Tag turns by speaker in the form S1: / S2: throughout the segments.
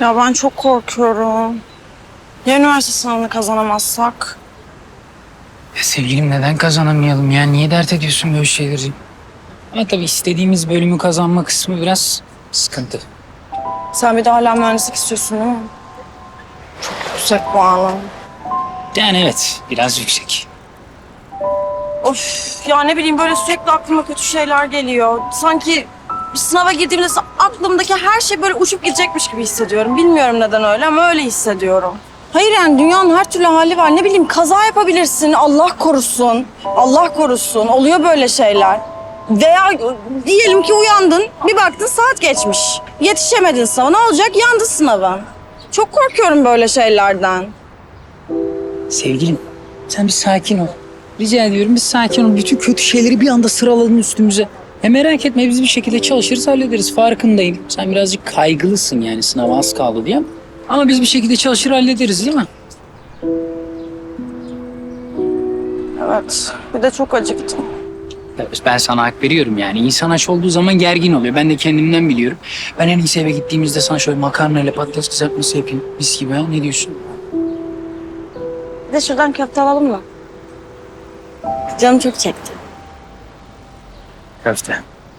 S1: Ya ben çok korkuyorum. Ya üniversite sınavını kazanamazsak?
S2: Ya sevgilim neden kazanamayalım ya? Niye dert ediyorsun böyle şeyleri? Ama tabii istediğimiz bölümü kazanma kısmı biraz sıkıntı.
S1: Sen bir de hala mühendislik istiyorsun değil mi? Çok yüksek puanı.
S2: Yani evet, biraz yüksek.
S1: Of ya ne bileyim böyle sürekli aklıma kötü şeyler geliyor. Sanki bir sınava girdiğimde aklımdaki her şey böyle uçup gidecekmiş gibi hissediyorum. Bilmiyorum neden öyle ama öyle hissediyorum. Hayır yani dünyanın her türlü hali var. Ne bileyim kaza yapabilirsin. Allah korusun. Allah korusun. Oluyor böyle şeyler. Veya diyelim ki uyandın, bir baktın saat geçmiş. Yetişemedin sınava. Ne olacak? Yandı sınavın. Çok korkuyorum böyle şeylerden.
S2: Sevgilim, sen bir sakin ol. Rica ediyorum bir sakin ol. Bütün kötü şeyleri bir anda sıraladın üstümüze. Merak etme biz bir şekilde çalışırız hallederiz. Farkındayım. Sen birazcık kaygılısın yani sınava az kaldı diye. Ama biz bir şekilde çalışır hallederiz değil mi?
S1: Evet. Bir de çok acıktım.
S2: Evet, ben sana hak veriyorum yani. İnsan aç olduğu zaman gergin oluyor. Ben de kendimden biliyorum. Ben en iyisi eve gittiğimizde sana şöyle makarna ile patates kızartması yapayım. Mis gibi ha. Ne diyorsun?
S1: Bir de şuradan köfte alalım mı? Canım çok çekti.
S2: Köfte.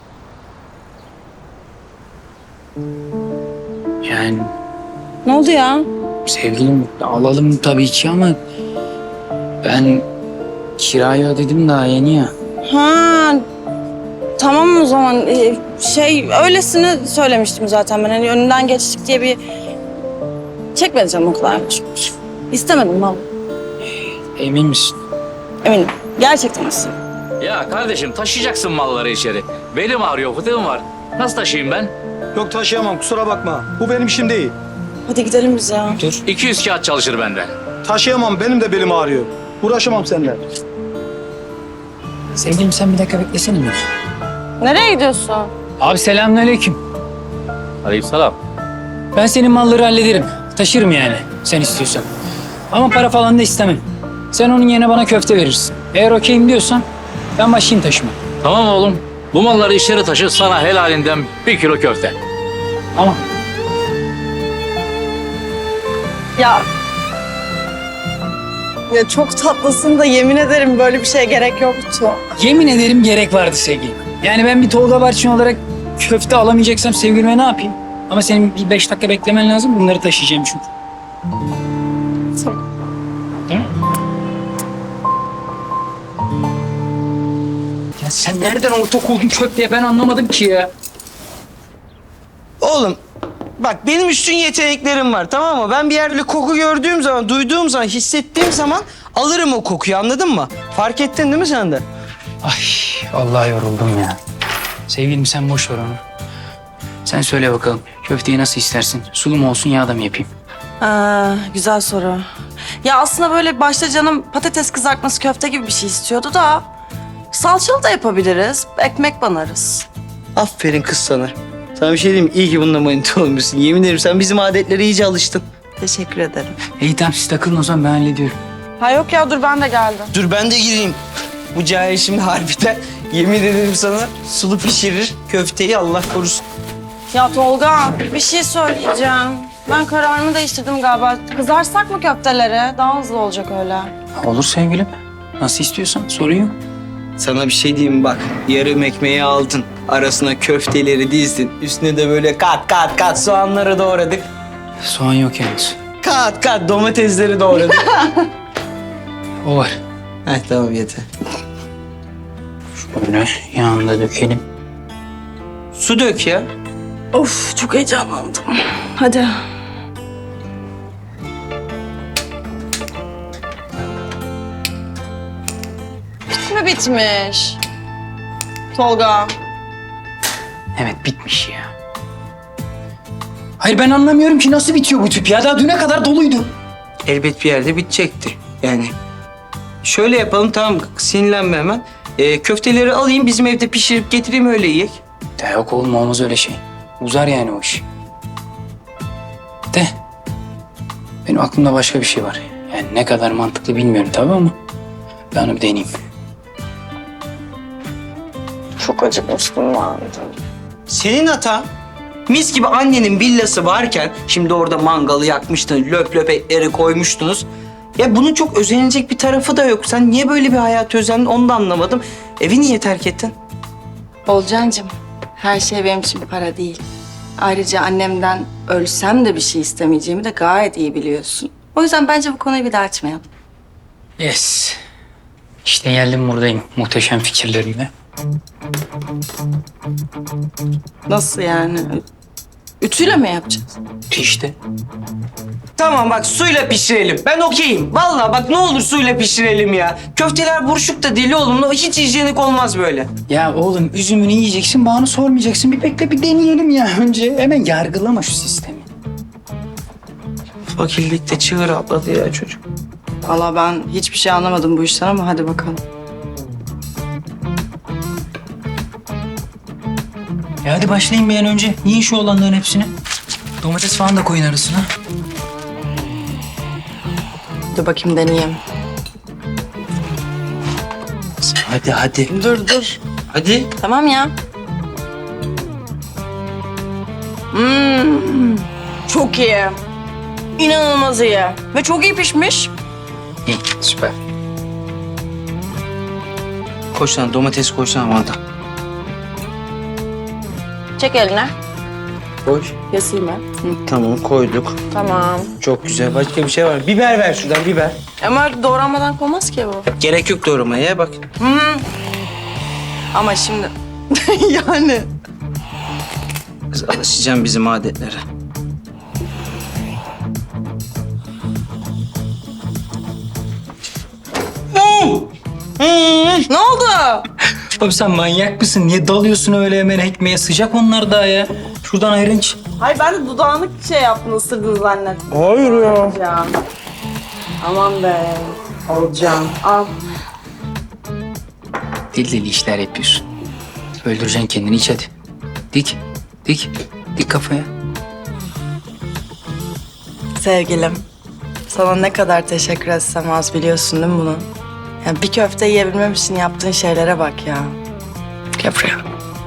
S2: Yani
S1: Ne oldu ya?
S2: sevgilim alalım tabii ki ama ben kirayı ödedim daha yeni ya.
S1: Ha, tamam o zaman. Öylesine söylemiştim zaten ben. Hani önünden geçtik diye bir çekmedi canım o kadar. İstemedim vallahi.
S2: Emin misin?
S1: Eminim. Gerçekten misin?
S3: Ya kardeşim taşıyacaksın malları içeri. Belim ağrıyor, fıtığım var. Nasıl taşıyayım ben?
S4: Yok taşıyamam kusura bakma. Bu benim işim değil.
S1: Hadi gidelim biz ya.
S2: Dur.
S3: 200 kağıt çalışır bende.
S4: Taşıyamam benim de belim ağrıyor. Uğraşamam seninle.
S2: Sevgilim sen bir dakika beklesene mi?
S1: Nereye gidiyorsun?
S2: Abi selamünaleyküm.
S3: Aleykümselam.
S2: Ben senin malları hallederim. Taşırım yani sen istiyorsan. Ama para falan da istemem. Sen onun yerine bana köfte verirsin. Eğer okeyim diyorsan ben başlayayım taşıma.
S3: Tamam oğlum. Bu malları içeri taşı, sana helalinden 1 kilo köfte.
S2: Tamam.
S1: Ya. Ya çok tatlısın da yemin ederim böyle bir şeye gerek yoktu.
S2: Yemin ederim gerek vardı sevgilim. Yani ben bir Tolga Barçın olarak köfte alamayacaksam sevgilime ne yapayım? Ama senin bir 5 dakika beklemen lazım. Bunları taşıyacağım çünkü.
S1: Tamam.
S2: Değil mi? Ya sen nereden ortak oldun köfteye ben anlamadım ki ya.
S5: Oğlum bak benim üstün yeteneklerim var tamam mı? Ben bir yerde koku gördüğüm zaman, duyduğum zaman, hissettiğim zaman alırım o kokuyu anladın mı? Fark ettin değil mi sen de?
S2: Ay vallahi yoruldum ya. Sevgilim sen boş ver onu. Sen söyle bakalım köfteyi nasıl istersin? Sulu mu olsun yağda mı yapayım?
S1: Güzel soru. Ya aslında böyle başta canım patates kızartması köfte gibi bir şey istiyordu da salçalı da yapabiliriz. Ekmek banarız.
S5: Aferin kız sana. Sana bir şey diyeyim mi? İyi ki bununla manita olmuşsun. Yemin ederim sen bizim adetlere iyice alıştın.
S1: Teşekkür ederim.
S2: İyi tamam siz takılın o zaman ben hallediyorum.
S1: Ha yok ya dur ben de geldim.
S5: Dur ben de gireyim. Bu cahil şimdi harbiden yemin ederim sana sulu pişirir köfteyi Allah korusun.
S1: Ya Tolga bir şey söyleyeceğim. Ben kararımı değiştirdim galiba. Kızarsak mı köfteleri? Daha hızlı olacak öyle.
S2: Olur sevgilim. Nasıl istiyorsan sorun yok.
S5: Sana bir şey diyeyim mi? Bak yarım ekmeği aldın. Arasına köfteleri dizdin. Üstüne de böyle kat kat kat soğanları doğradık.
S2: Soğan yok yalnız.
S5: Kat kat domatesleri doğradık.
S2: O var.
S5: Heh tamam yeter.
S2: Şöyle yağını dökelim.
S5: Su dök ya.
S1: Of çok heyecanlandım. Hadi. Hiç mi bitmiş? Tolga.
S2: Evet bitmiş ya. Hayır ben anlamıyorum ki nasıl bitiyor bu tüp ya. Daha düne kadar doluydu.
S5: Elbet bir yerde bitecekti. Yani şöyle yapalım tamam sinirlenme hemen. Köfteleri alayım bizim evde pişirip getireyim öyle yiyek.
S2: De yok oğlum olmaz öyle şey. Uzar yani o iş. De. Benim aklımda başka bir şey var. Yani ne kadar mantıklı bilmiyorum tabii ama ben onu bir deneyeyim.
S1: Çok acıkmıştım vardı.
S5: Senin hata. Mis gibi annenin villası varken şimdi orada mangalı yakmıştın, löp löp etleri koymuştunuz. Ya bunun çok özenilecek bir tarafı da yok. Sen niye böyle bir hayat özendin onu da anlamadım. Evi niye terk ettin?
S1: Olcancığım, her şey benim için para değil. Ayrıca annemden ölsem de bir şey istemeyeceğimi de gayet iyi biliyorsun. O yüzden bence bu konuyu bir daha açmayalım.
S2: Yes. İşte geldim buradayım muhteşem fikirlerimle.
S1: Nasıl yani? Ütüyle mi yapacağız?
S2: İşte.
S5: Tamam bak suyla pişirelim. Ben okeyim. Vallahi bak ne olur suyla pişirelim ya. Köfteler buruşuk da deli oğlum. Hiç hijyenik olmaz böyle.
S2: Ya oğlum üzümünü yiyeceksin, bana sormayacaksın. Bir bekle bir deneyelim ya önce. Hemen yargılama şu sistemi.
S5: Fakirlikte çığır atladı ya çocuk.
S1: Valla ben hiçbir şey anlamadım bu işten ama hadi bakalım.
S2: Hadi başlayın bir an önce. Yiyin şu olanların hepsini. Domates falan da koyun arasına.
S1: Dur bakayım deneyeyim.
S2: Hadi hadi.
S1: Dur.
S5: Hadi.
S1: Tamam ya. Çok iyi. İnanılmaz iyi. Ve çok iyi pişmiş.
S2: İyi süper.
S5: Koysana domates koysana bana da.
S1: Çek eline.
S5: Koy.
S1: Keseyim ben.
S5: Tamam koyduk.
S1: Tamam.
S5: Çok güzel. Başka bir şey var mı? Biber ver şuradan biber.
S1: Ama doğranmadan konmaz ki bu.
S5: Gerek yok doğramaya bak.
S1: Ama şimdi yani.
S5: Kız alışacağım bizim adetlere.
S1: Ne oldu?
S2: Abi sen manyak mısın? Niye dalıyorsun öyle hemen ekmeğe? Sıcak onlar daha ya. Şuradan ayran iç.
S1: Hayır ben de dudağını şey yaptın, ısırdın zannettim.
S5: Hayır ya.
S1: Alacağım. Aman be. Alacağım. Al.
S2: Deli deli işler yapıyorsun. Öldüreceksin kendini, iç hadi. Dik. Dik kafaya.
S1: Sevgilim, sana ne kadar teşekkür etsem az biliyorsun değil mi bunu? Yani bir köfte yiyebilmem için yaptığın şeylere bak ya. Gel buraya.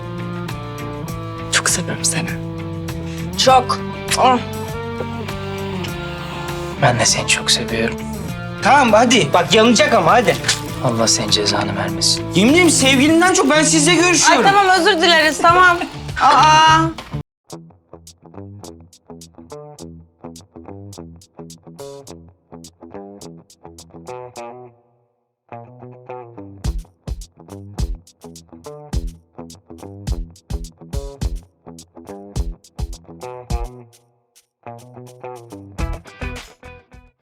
S1: Çok seviyorum seni. Çok. Ah.
S2: Ben de seni çok seviyorum.
S5: Tamam hadi. Bak yanacak ama hadi.
S2: Allah senin cezanı vermesin.
S5: Yemin ederim sevgilimden çok ben sizle
S1: Ay
S5: görüşüyorum.
S1: tamam özür dileriz tamam. Aa.